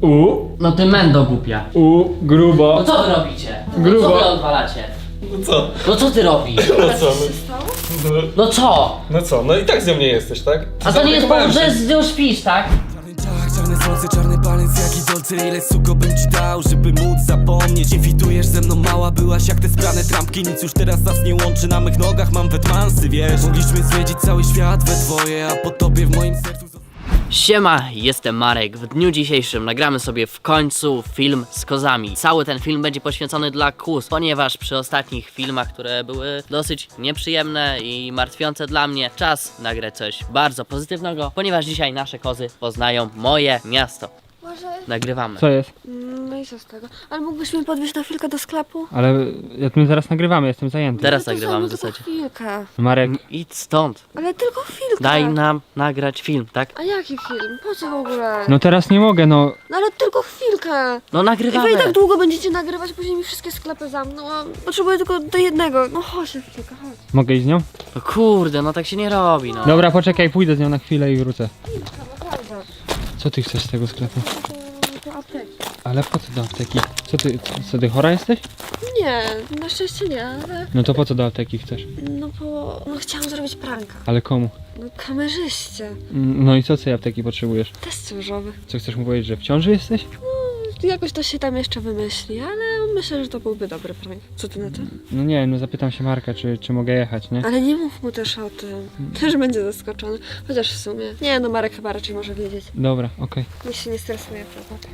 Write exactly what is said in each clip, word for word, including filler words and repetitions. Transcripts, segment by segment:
U. No ty mendo głupia. U. Grubo. No co wy robicie? No Grubo. co wy odwalacie? No co? No co ty robisz? No co? No, no, No co? no co? No i tak z nią nie jesteś, tak? A to nie jest powód, Zaopiekowałem że się. z nią śpisz, tak? Czarne słońce, czarny palec, jaki dolce, ile suko bym ci dał, żeby móc zapomnieć. Nie fitujesz ze mną, mała byłaś jak te sprane trampki. Nic już teraz nas nie łączy, na mych nogach mam wetmansy, wiesz. Mogliśmy zwiedzić cały świat we dwoje, a po tobie w moim sercu... Siema, jestem Marek. W dniu dzisiejszym nagramy sobie w końcu film z kozami. Cały ten film będzie poświęcony dla kóz, ponieważ przy ostatnich filmach, które były dosyć nieprzyjemne i martwiące dla mnie, czas nagrać coś bardzo pozytywnego, ponieważ dzisiaj nasze kozy poznają moje miasto. Może... Nagrywamy. Co jest? No i co z tego? Ale mógłbyś mnie podwieźć na chwilkę do sklepu? Ale jak my zaraz nagrywamy, jestem zajęty. Teraz No to nagrywamy w samo, zasadzie. tylko chwilkę. Marek, Idź stąd. Ale tylko chwilkę. Daj nam nagrać film, tak? A jaki film? Po co w ogóle? no teraz nie mogę, no. No ale tylko chwilkę. No I nagrywamy. wy i tak długo będziecie nagrywać, później mi wszystkie sklepy zamkną, a potrzebuję tylko do jednego. No chodź na chwilkę, chodź. Mogę iść z nią? No kurde, no tak się nie robi, no. Dobra, poczekaj, pójdę z nią na chwilę i wrócę. Chwilkę, naprawdę. Co ty chcesz z tego sklepu? To, to apteki. Ale po co do apteki? Co ty, co ty chora jesteś? Nie, na szczęście nie, ale... No to po co do apteki chcesz? No bo... No chciałam zrobić pranka. Ale komu? No kamerzyście. Mm, No i co z tej apteki potrzebujesz? Test ciążowy. Co chcesz mu powiedzieć, że w ciąży jesteś? Jakoś to się tam jeszcze wymyśli, ale myślę, że to byłby dobry prank. Co ty na to? No nie, no zapytam się Marka, czy, czy mogę jechać, nie? Ale nie mów mu też o tym. Też będzie zaskoczony. Chociaż w sumie. Nie, no Marek chyba raczej może wiedzieć. Dobra, okej. Niech się nie stresuje, prawda?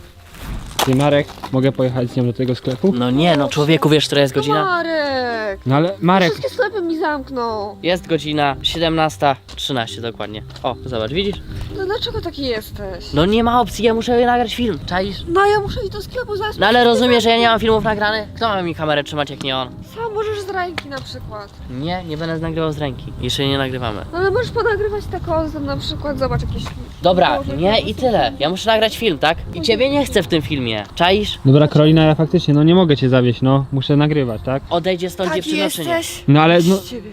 Ty Marek, mogę pojechać z nią do tego sklepu? No nie, no człowieku, wiesz, która jest godzina? Marek! No ale Marek, Wszystkie sklepy mi zamkną. Jest godzina siedemnasta trzynaście dokładnie. O, zobacz, widzisz? No dlaczego taki jesteś? No nie ma opcji, ja muszę nagrać film, czaisz? No ja muszę iść do sklepu zaraz. No ale rozumiesz, że ja nie mam filmów nagranych? Kto ma mi kamerę trzymać jak nie on? Sam możesz z ręki na przykład. Nie, nie będę nagrywał z ręki. Jeszcze nie nagrywamy. No ale możesz ponagrywać te kozy na przykład. Zobacz jakieś... Dobra, Boże, nie jakie i tyle. Ja muszę nagrać film, tak? I ciebie nie chcę w tym filmie. Czaisz? dobra Karolina, ja faktycznie, no nie mogę cię zawieść, no. Muszę nagrywać, tak? Odejdzie stąd Taki dziewczyno czy nie? jesteś. No ale no, Z ciebie.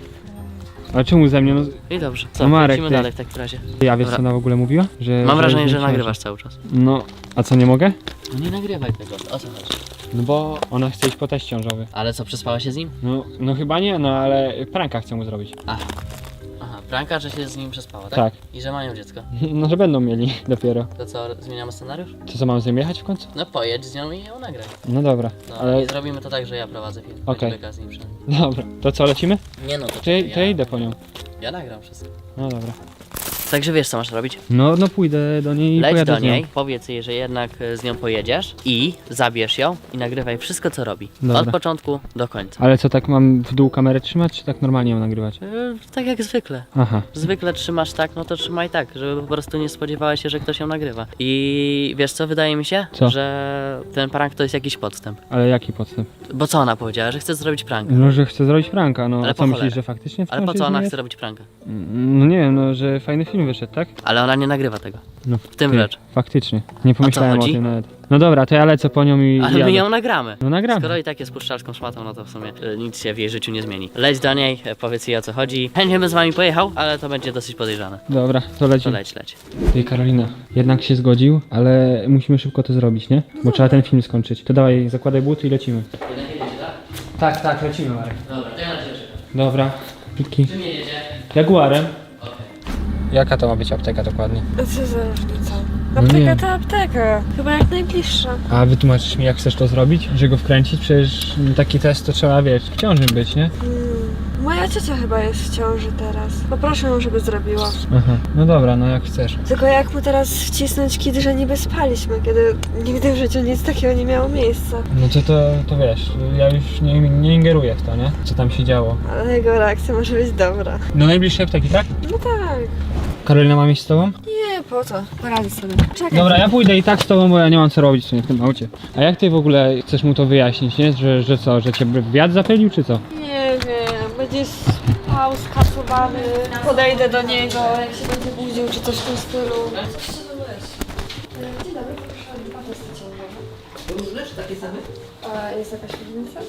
a czemu ze mnie, no? I dobrze, co? No Marek, Lecimy ty. dalej w takim razie. Ja wiesz Dobra. co ona w ogóle mówiła? Że, Mam wrażenie, jest że w ciąży. nagrywasz cały czas. No, a co, nie mogę? No nie nagrywaj tego, o co chodzi? No bo ona chce iść po teść ciążowy. Ale co, przespała się z nim? No, no chyba nie, no ale pranka chcę mu zrobić. Aha. Aha, pranka, że się z nim przespała, tak? Tak. I że mają dziecko. No, że będą mieli dopiero. To co, zmieniamy scenariusz? To co, mam z nią jechać w końcu? No pojedź z nią i ją nagraj. No dobra, No ale... i zrobimy to tak, że ja prowadzę film. Okej. Będzie beka z nim przynajmniej. Dobra, to co, lecimy? Nie no, to To, czekaj, to ja, ja idę po nią. ja nagram wszystko. No dobra. Także wiesz co masz robić? No, no pójdę do niej i Leć pojadę do z nią. niej, powiedz jej, że jednak e, z nią pojedziesz i zabierz ją i nagrywaj wszystko co robi. Dobra. Od początku do końca. Ale co, tak mam w dół kamerę trzymać, czy tak normalnie ją nagrywać? E, tak jak zwykle. Aha. Zwykle trzymasz tak, no to trzymaj tak, żeby po prostu nie spodziewałeś się, że ktoś ją nagrywa. I wiesz co, wydaje mi się, Co? że ten prank to jest jakiś podstęp. Ale jaki podstęp? Bo co ona powiedziała, że chce zrobić prank? No, że chcę zrobić pranka, no. Ale A po co myślisz, cholerę. że faktycznie w Ale po ciąży co ona jest? chce robić pranka? No nie wiem, no, że fajny film wyszedł, tak? Ale ona nie nagrywa tego. No, W tym ty, rzecz. Faktycznie. Nie pomyślałem o chodzi? tym nawet. No dobra, to ja lecę po nią i Ale jadę. my ją nagramy. No nagramy. Skoro i tak jest puszczalską szmatą, no to w sumie e, nic się w jej życiu nie zmieni. Leć do niej, e, powiedz jej o co chodzi. Chętnie bym z wami pojechał, ale to będzie dosyć podejrzane. Dobra, to To lecimy. leć, leć. Ty Karolina, jednak się zgodził, ale musimy szybko to zrobić, nie? Bo trzeba ten film skończyć. To dawaj, zakładaj buty i lecimy. Tak, tak, lecimy Marek. Dobra, to ja na ciebie czekam. Dobra. Pitki. Czym jedziecie? Jaguarem. Okej. Jaka to ma być apteka dokładnie? A co za różnica? No nie. Apteka to apteka. Chyba jak najbliższa. A wytłumaczysz mi, jak chcesz to zrobić? Że go wkręcić? Przecież taki test to trzeba, wiesz, w ciąży być, nie? Hmm. Moja ciocia chyba jest w ciąży teraz. Poproszę ją, żeby zrobiła. Aha. No dobra, no jak chcesz. Tylko jak mu teraz wcisnąć kit, że niby spaliśmy, kiedy nigdy w życiu nic takiego nie miało miejsca. No to, to, to wiesz, ja już nie, nie ingeruję w to, nie? Co tam się działo. Ale jego reakcja może być dobra. Do najbliższej apteki, tak? No tak. Karolina ma mieć z tobą? Nie, po co? Poradzę sobie. Czekaj. Dobra, ja pójdę i tak z tobą, bo ja nie mam co robić w sumie w tym aucie. A jak ty w ogóle chcesz mu to wyjaśnić, nie? Że, że co, że cię wiatr zapylił, czy co? Nie wiem, będzie spał, skasowany. Podejdę do niego, jak się będzie budził, czy coś w tym stylu. Coś się wymyśli. Dzień dobry, proszę, dwa testy ciążowe. Różne czy takie same? A jest jakaś różnica?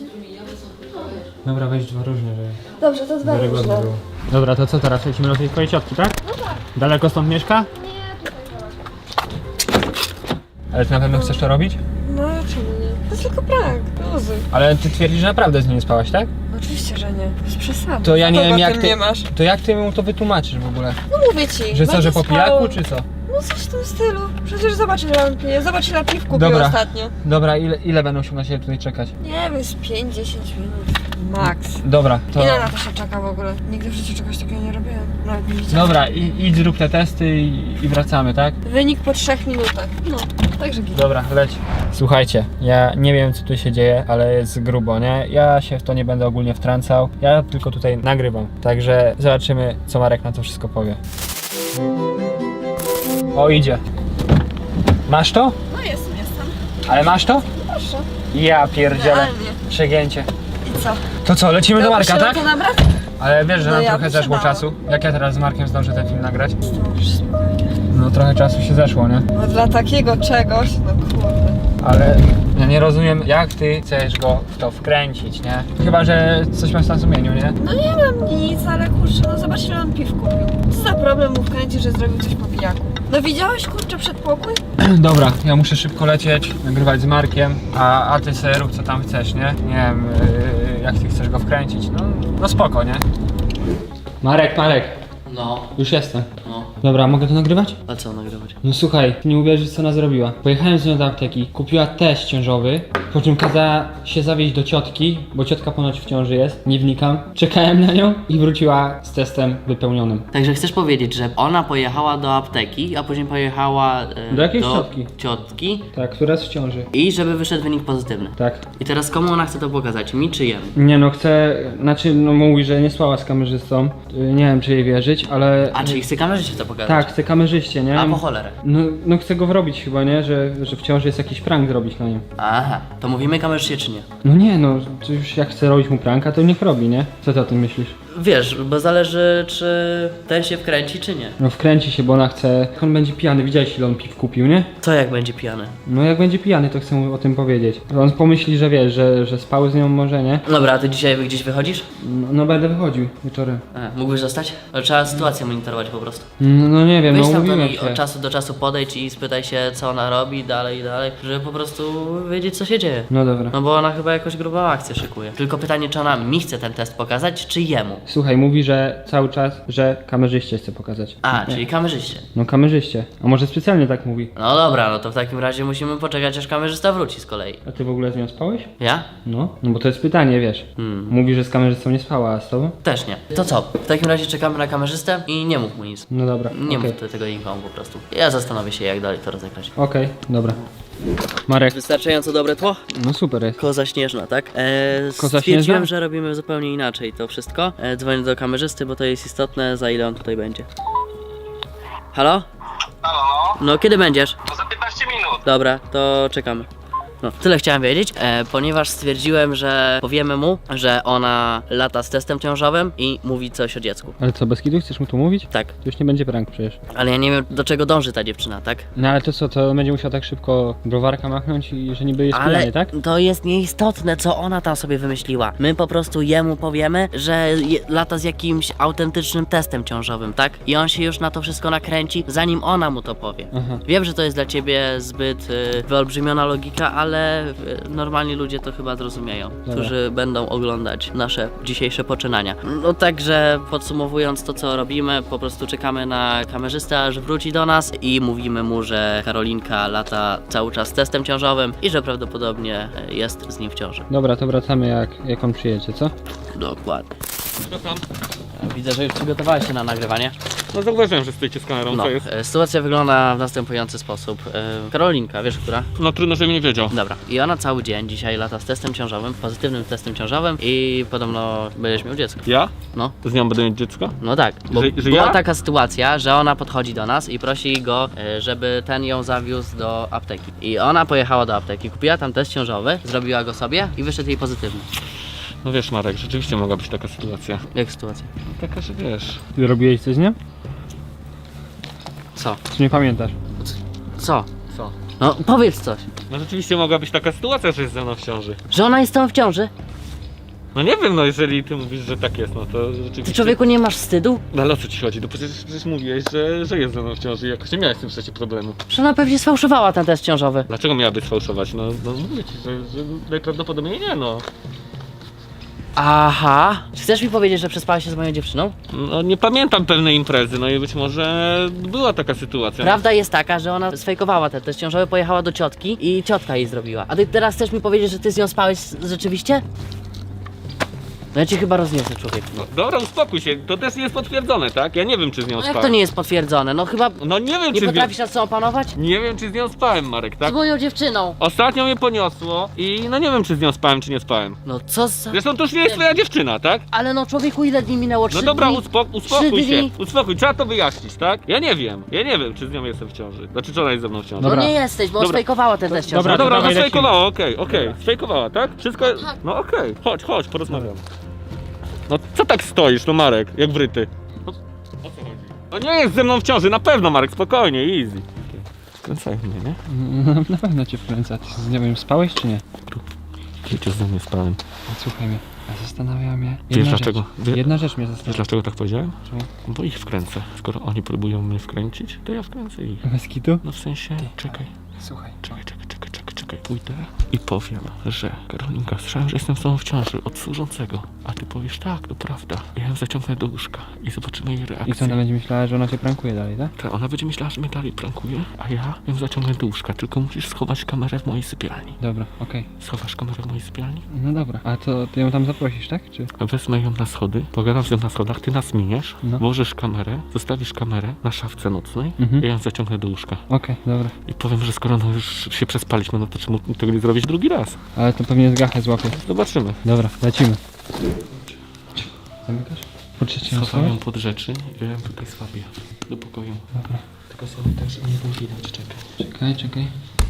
Dobra, weź dwa różne, że Dobrze, to dwa wiarygodne różne. było. Dobra, to co teraz? Lecimy do tej twojej ciotki, tak? No tak. Daleko stąd mieszka? Nie, tutaj zobacz. Ale ty na pewno chcesz to robić? No czemu nie? To jest tylko prank, luzy. Ale ty twierdzisz, że naprawdę z nim nie spałaś, tak? Oczywiście, że nie. Bez przesady. To ja nie Kogo wiem jak tym ty... nie masz? To jak ty mu to wytłumaczysz w ogóle? No mówię ci. Że co, będzie że po spał. pijaku czy co? No coś w tym stylu. Przecież zobacz ile on pije. Zobacz ile piw kupił Dobra. ostatnio. Dobra, ile, ile będą się na siebie tutaj czekać? Nie wiem, z pięć do dziesięciu minut. Max. Dobra, to... Ile na to się czeka w ogóle? Nigdy w życiu czegoś takiego nie robiłem. Nawet nie widziałam. Dobra, i, idź zrób te testy i, i wracamy, tak? Wynik po trzech minutach. No, także git. Dobra, leć. Słuchajcie, ja nie wiem co tu się dzieje, ale jest grubo, nie? Ja się w to nie będę ogólnie wtrącał. Ja tylko tutaj nagrywam. Także zobaczymy, co Marek na to wszystko powie. O, idzie. Masz to? No jestem, jestem. Ale masz to? Proszę. Ja pierdzielę. Realnie. Przegięcie. I co? To co, lecimy do Marka, tak? To nabrać? Ale wiesz, że No nam ja trochę bym zeszło się bała. czasu. Jak ja teraz z Markiem zdążę ten film nagrać? Dobrze, spokojnie. No trochę czasu się zeszło, nie? No dla takiego czegoś, no kurde. Ale ja nie rozumiem, jak ty chcesz go w to wkręcić, nie? Chyba, że coś masz na sumieniu, nie? No nie mam nic, ale kurczę, no zobacz ile on piw kupił. Co za problem mu wkręcić, że zrobił coś po pijaku? No widziałeś kurczę przedpokój? Dobra, ja muszę szybko lecieć, nagrywać z Markiem, a, a ty sobie rób co tam chcesz, nie? Nie wiem, yy, jak ty chcesz go wkręcić, no, no spoko, nie? Marek, Marek, No, już jestem. no. Dobra, mogę to nagrywać? A co nagrywać? No słuchaj, nie uwierzysz co ona zrobiła. Pojechałem z nią do apteki, kupiła test ciążowy, po czym kazała się zawieźć do ciotki, bo ciotka ponoć w ciąży jest, nie wnikam. Czekałem na nią i wróciła z testem wypełnionym. Także chcesz powiedzieć, że ona pojechała do apteki, a później pojechała e, Do jakiejś ciotki. ciotki Tak, która jest w ciąży. i żeby wyszedł wynik pozytywny. Tak. I teraz komu ona chce to pokazać? Mi czy jemu? Nie no, chcę, znaczy no mówi, że nie spała z kamerzystą, y, nie wiem czy jej wierzyć, ale... A, czyli chce kamerzyście to pokazać? Tak, chcę kamerzyście, nie? A po cholerę. No, no chcę go wrobić chyba, nie? Że, że w ciąży jest jakiś prank zrobić na nim. Aha, to mówimy kamerzyście czy nie? No nie no, to już jak chce robić mu pranka, to niech robi, nie? Co ty o tym myślisz? Wiesz, bo zależy czy ten się wkręci czy nie. No wkręci się, bo ona chce... Jak on będzie pijany, widziałeś ile on piw kupił, nie? Co jak będzie pijany? No jak będzie pijany, to chcę mu o tym powiedzieć. On pomyśli, że wiesz, że, że spał z nią może, nie? Dobra, a ty dzisiaj gdzieś wychodzisz? No, no będę wychodził wieczorem. A, mógłbyś zostać? Ale trzeba sytuację monitorować po prostu. No, no nie wiem, Weź no tam do mówiłem niej się. od czasu do czasu podejdź i spytaj się co ona robi dalej i dalej, żeby po prostu wiedzieć co się dzieje. No dobra. No bo ona chyba jakąś grubą akcję szykuje. Tylko pytanie, czy ona mi chce ten test pokazać, czy jemu? Słuchaj, mówi, że cały czas, że kamerzyście chce pokazać. A, Nie. czyli kamerzyście. No kamerzyście. A może specjalnie tak mówi? No dobra, no to w takim razie musimy poczekać, aż kamerzysta wróci z kolei. A ty w ogóle z nią spałeś? Ja? No, no bo to jest pytanie, wiesz. Hmm. Mówi, że z kamerzystą nie spała, a z tobą? Też nie. To co? W takim razie czekamy na kamerzystę i nie mów mu nic. No dobra. Nie okej. mów te- tego nikomu po prostu. Ja zastanowię się, jak dalej to rozegrać. Okej, dobra. Marek. Wystarczająco dobre tło? No super jest. Koza śnieżna, tak? E, Koza stwierdziłem, śnieżna? że robimy zupełnie inaczej to wszystko. E, dzwonię do kamerzysty, bo to jest istotne, za ile on tutaj będzie. Halo? Halo, no? No, kiedy będziesz? To za piętnaście minut. Dobra, to czekamy. No, tyle chciałem wiedzieć, e, ponieważ stwierdziłem, że powiemy mu, że ona lata z testem ciążowym i mówi coś o dziecku. Ale co, bez kitu chcesz mu to mówić? Tak, To już nie będzie prank przecież. ale ja nie wiem, do czego dąży ta dziewczyna, tak? No ale to co, to będzie musiał tak szybko browarka machnąć i że niby jest Ale pijany, tak? to jest nieistotne, co ona tam sobie wymyśliła. My po prostu jemu powiemy, że je, lata z jakimś autentycznym testem ciążowym, tak? I on się już na to wszystko nakręci, zanim ona mu to powie. Aha. Wiem, że to jest dla ciebie zbyt y, wyolbrzymiona logika, ale y, normalni ludzie to chyba zrozumieją, którzy będą oglądać nasze dzisiejsze poczynania. No także podsumowując to, co robimy, po prostu czekamy na kamerzystę, aż wróci do nas i mówimy mu, że Karolinka lata cały czas z testem ciążowym i że prawdopodobnie y, jest z nim w ciąży. Dobra, to wracamy jak, jak on przyjedzie, co? Dokładnie. Widzę, że już przygotowałeś się na nagrywanie. No zauważyłem, że stoicie z kamerą, No, co jest? e, sytuacja wygląda w następujący sposób. E, Karolinka, wiesz która? No trudno, żebym nie wiedział. Dobra. I ona cały dzień dzisiaj lata z testem ciążowym, pozytywnym testem ciążowym i podobno będziesz miał dziecko. Ja? No, Z nią będę mieć dziecko? no tak. Bo Że- że była ja? taka sytuacja, że ona podchodzi do nas i prosi go, e, żeby ten ją zawiózł do apteki. I ona pojechała do apteki, kupiła tam test ciążowy, zrobiła go sobie i wyszedł jej pozytywny. No wiesz Marek, rzeczywiście mogła być taka sytuacja. Jak sytuacja? Taka, że wiesz. Ty robiłeś coś z nią? Co? Czy nie pamiętasz? Co? Co? No powiedz coś. No rzeczywiście mogła być taka sytuacja, że jest ze mną w ciąży. Że ona jest tam w ciąży? No nie wiem, no jeżeli ty mówisz, że tak jest, no to rzeczywiście... Ty, człowieku, nie masz wstydu? No ale o co ci chodzi? No przecież, przecież mówiłeś, że, że jest ze mną w ciąży i jakoś nie miałeś z tym przecież problemu. Że ona pewnie sfałszowała ten test ciążowy. Dlaczego miałaby sfałszować? No, no mówię ci, że, że najprawdopodobniej nie, no. Aha. Czy chcesz mi powiedzieć, że przespałeś się z moją dziewczyną? No nie pamiętam pewnej imprezy, no i być może była taka sytuacja. Prawda jest taka, że ona sfejkowała ten test ciążowy, pojechała do ciotki i ciotka jej zrobiła. A ty teraz chcesz mi powiedzieć, że ty z nią spałeś rzeczywiście? No ja cię chyba rozniosę, człowieku. No, dobra, uspokój się, to też nie jest potwierdzone, tak? Ja nie wiem, czy z nią No spałem. jak to nie jest potwierdzone? No chyba No nie wiem, nie czy potrafisz z nią... nad sobą panować? Nie wiem, czy z nią spałem, Marek, tak? Z moją dziewczyną. Ostatnio mnie poniosło i no nie wiem, czy z nią spałem, czy nie spałem. No co za... Zresztą to już nie jest twoja dziewczyna, tak? Ale no człowieku, ile dni minęło? Trzy No dobra, dni? uspo uspokój Trzy się, dni? uspokój, trzeba to wyjaśnić, tak? Ja nie wiem, ja nie wiem, czy z nią jestem w ciąży. Znaczy, czy ona jest ze mną w ciąży. No Dobra. nie jesteś, bo Dobra. sfejkowała ten test ciążowy. Dobra, No dobra, to no dawaj, sfejkowała, okej, okej, Dobra. sfejkowała, tak? Wszystko, tak. no okej, chodź, chodź, porozmawiam. No co tak stoisz, no Marek, jak wryty? No, o co chodzi? No nie jest ze mną w ciąży, na pewno Marek, spokojnie, easy. Skręcaj mnie, nie? No, na pewno cię wkręca. Ty z nią spałeś czy nie? Wiecie, ze mnie spałem. No, słuchaj mnie, a zastanawia mnie Wiesz jedna rzecz. dlaczego? Wie- Jedna rzecz mnie Wiesz zastanawia. dlaczego tak powiedziałem? Czemu? Bo ich wkręcę. Skoro oni próbują mnie wkręcić, to ja wkręcę ich. Bez kitu? No w sensie, czekaj, Słuchaj. czekaj, czekaj, czekaj, czekaj, czekaj. Pójdę i powiem, że Karolinka, słyszałem, że jestem z tobą w ciąży od służącego. A ty powiesz, tak, to prawda. Ja ją zaciągnę do łóżka i zobaczymy jej I co, reakcję. ona będzie myślała, że ona cię prankuje dalej, tak? Ta, ona będzie myślała, że mnie dalej prankuje, a ja ją zaciągnę do łóżka. Tylko musisz schować kamerę w mojej sypialni. Dobra, okej. Schowasz kamerę w mojej sypialni? No dobra, a to ty ją tam zaprosisz, tak? Czy? Wezmę ją na schody, pogadam z nią na schodach, ty nas miniesz, No. włożysz kamerę, zostawisz kamerę na szafce nocnej Mhm. i ja ją zaciągnę do łóżka. Okej, dobra. I powiem, że skoro no już się przespaliśmy, no to czemu tego nie zrobić drugi raz? Ale to pewnie z gachę złapie. Zobaczymy. Dobra, lecimy. Zamykasz? Poczekaj, ją Schowam schować? ją pod rzeczy i ja ją tutaj słabię do pokoju. Dobra. Tylko sobie tak, żeby nie było widać, czekaj. Czekaj, czekaj.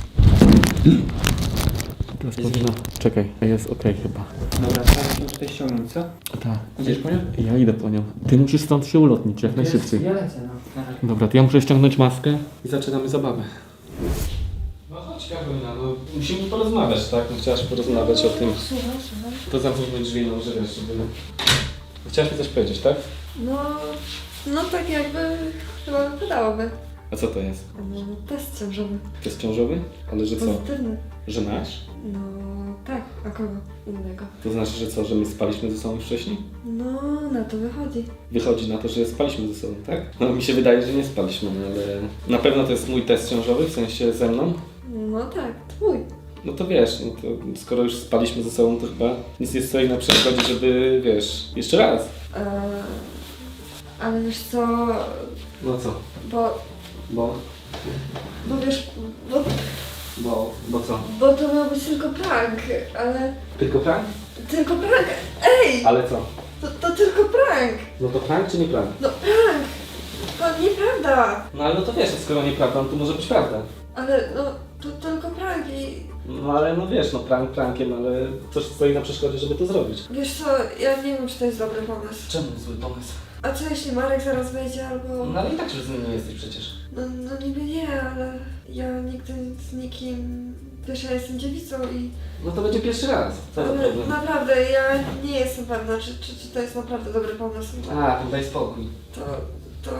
Teraz powinno... Czekaj, jest okej chyba. Dobra, teraz ją tutaj ściągnąć, co? Tak. Idziesz po nią? Ja idę po nią. Ty musisz stąd się ulotnić jak najszybciej. Ja lecę, no. Dobra, to ja muszę ściągnąć maskę i zaczynamy zabawę. No chodź, Karolina, No, musimy porozmawiać, tak? No, chciałaś porozmawiać o tym. Słucham, słucham. To zamknijmy drzwi, no, że wiesz, żeby... Chciałaś mi coś powiedzieć, tak? No, no tak jakby chyba wypadałoby. A co to jest? No, test ciążowy. Test ciążowy? Ale że co? Pozytywny. Że nasz? No tak, a kogo innego? To znaczy, że co, że my spaliśmy ze sobą wcześniej? No, na to wychodzi. Wychodzi na to, że spaliśmy ze sobą, tak? No mi się wydaje, że nie spaliśmy, no, ale na pewno to jest mój test ciążowy, w sensie ze mną. No tak, twój. No to wiesz, no to skoro już spaliśmy ze sobą, to chyba nic nie stoi na przeszkodzie, żeby, wiesz, jeszcze raz. Eee, ale wiesz co, No co? bo, Bo? bo wiesz, bo, Bo? Bo co? bo to miał być tylko prank, ale Tylko prank? tylko prank, ej, Ale co? to, to tylko prank, No to prank czy nie prank? no prank, to nieprawda, No ale no to wiesz, skoro nieprawda, no to może być prawda. ale no, to tylko prank i No ale no wiesz, no prank prankiem, ale coś stoi na przeszkodzie, żeby to zrobić. wiesz co, ja nie wiem, czy to jest dobry pomysł. Czemu zły pomysł? A co jeśli Marek zaraz wejdzie albo... No ale i tak już z nim nie jesteś przecież. No, no niby nie, ale ja nigdy z nikim... Wiesz, ja jestem dziewicą i... No to będzie pierwszy raz. Co za Ale problem? naprawdę, ja nie jestem pewna, czy, czy, czy to jest naprawdę dobry pomysł. A, to daj spokój. To... to...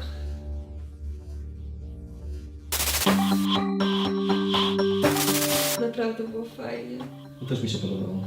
Naprawdę było fajnie. Też mi się podobało.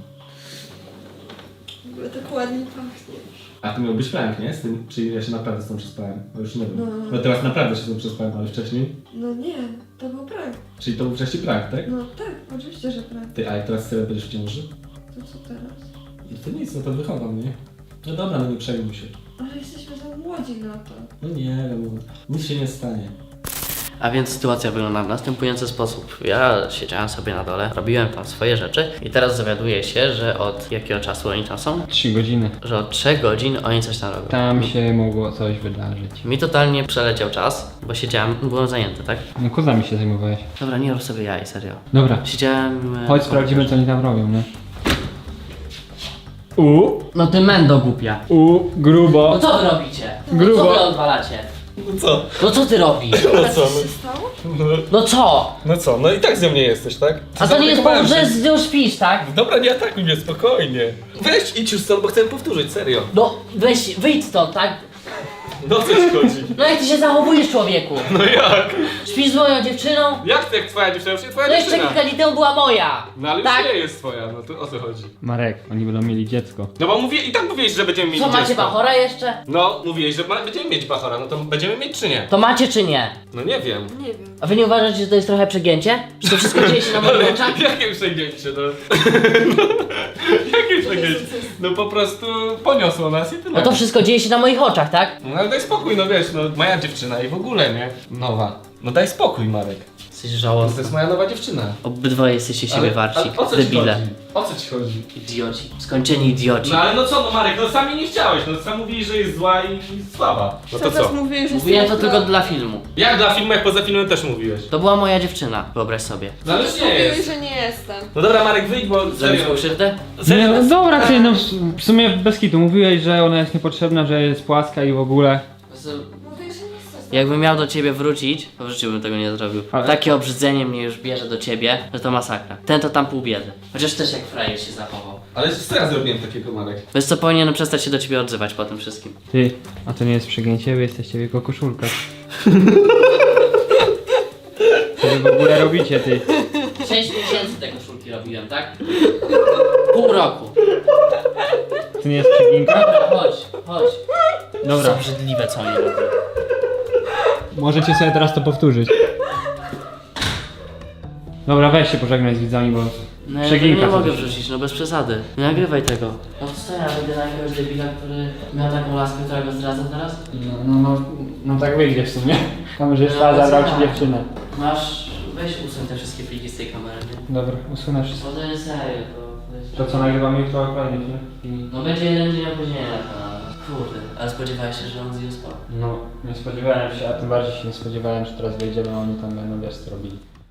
W ogóle tak ładnie pachnie. A to miał być prank, nie? Z tym, czy ja się naprawdę z tą przespałem? Bo już nie wiem. No. No teraz naprawdę się z tą przespałem, ale wcześniej? No nie, to był prank. Czyli to był wcześniej prank, tak? No tak, oczywiście, że prank. Ty, a jak teraz sobie będziesz w ciąży? To co teraz? No to nic, no to wychowam, nie? No dobra, no nie przejmuj się. Ale jesteśmy za młodzi na to. No nie wiem, nic się nie stanie. A więc sytuacja wygląda w następujący sposób. Ja siedziałem sobie na dole, robiłem tam swoje rzeczy i teraz dowiaduję się, że od jakiego czasu oni tam są? Trzy godziny. Że od trzech godzin oni coś tam robią. Tam się mogło coś wydarzyć. Mi totalnie przeleciał czas, bo siedziałem, byłem zajęty, tak? No kozami się zajmowałeś. Dobra, nie rób sobie jaj, serio. Dobra, Siedziałem... e, chodź sprawdzimy co oni tam robią, nie? U, No ty mendo głupia. u, grubo. No co wy robicie? Grubo. Co wy odwalacie? No co? No co ty robisz? No co? Co się stało? No, No co? no co? No i tak ze mnie jesteś, tak? A to nie jest powód, że że... z nią śpisz, tak? Dobra, nie atakuj mnie, spokojnie. Weź, idź już stąd, bo chcę powtórzyć, serio. No weź, wyjdź stąd, tak? No co ci chodzi? No jak ty się zachowujesz, człowieku? No jak? Śpisz z moją dziewczyną? Jak to jak twoja dziewczyna? Już nie twoja No jeszcze dziewczyna. kilka dni temu była moja. No ale tak? już nie jest twoja, no to o co chodzi? Marek, oni będą mieli dziecko. No bo mówię, i tak mówiłeś, że będziemy mieć Co, macie dziecko. bachora jeszcze? No, mówiłeś, że ma, będziemy mieć bachora, no to będziemy mieć czy nie? To macie czy nie? No nie wiem. Nie wiem. A wy nie uważacie, że to jest trochę przegięcie? Że to wszystko dzieje się na moich Ale oczach? jakie przegięcie, no? Jakie przegięcie? No po prostu poniosło nas i tyle. No to wszystko dzieje się na moich oczach, tak? No ale daj spokój, no wiesz, no moja dziewczyna i w ogóle, nie? Nowa. No daj spokój, Marek. Jesteś To żałosny. jest moja nowa dziewczyna. Obydwoje jesteście siebie warci. ale o co ci Debile. chodzi? O co ci chodzi? Idioci. Skończeni idioci. No ale no co, no Marek, no sami nie chciałeś, no sam mówiłeś, że jest zła i słaba. No to Cały czas co? mówiłeś, że Mówiłem to jestem tylko zła. dla filmu. Jak dla filmu, jak poza filmem też mówiłeś. To była moja dziewczyna, wyobraź sobie. No ale już nie Mówiłeś, jest. że nie jestem. No dobra Marek, wyjdź, bo Zrobisz serio. mu krzywdę? Serio? Nie, no dobra, ty, no w- w sumie bez kitu. Mówiłeś, że ona jest niepotrzebna, że jest płaska i w ogóle. Mówiłeś, że nie jestem. Jakbym miał do ciebie wrócić, to w życiu bym tego nie zrobił. Ale- Takie obrzydzenie mnie już bierze do ciebie, że to masakra. Ten to tam pół biedy. Chociaż też jak frajer się zachował. Ale co ja zrobiłem takiego, Marek? Wiesz co, powinienem przestać się do ciebie odzywać po tym wszystkim. Ty, a to nie jest przegięcie, wy jesteście w jego koszulkach. Co wy w ogóle robicie, ty? Sześć miesięcy te koszulki robiłem, tak? Pół roku. To nie jest przeginka? Dobra, chodź, chodź. Dobra, Co obrzydliwe co oni robią. możecie sobie teraz to powtórzyć. Dobra, weź się pożegnaj z widzami, bo No ja tego przeginka. nie to mogę też. wrzucić, no bez przesady. Nie nagrywaj tego. No co ja będę na jakiegoś debila, który miał taką laskę, która go zdradza teraz? No, no, no, no tak wyjdzie w sumie. Kamerzysta No, zabrał co? ci dziewczynę. Masz, weź usuń te wszystkie pliki z tej kamery, nie? Dobra, usunę wszystko. Bo to jest serio, to... to jest- To co nagrywamy jutro kolejny film? I... No będzie jeden dzień opóźnienia na kanale. Kurde, ale spodziewałeś się, że on zje spał. No, nie spodziewałem się, a tym bardziej się nie spodziewałem, że teraz wyjdziemy, a oni tam będą wiesz co robili.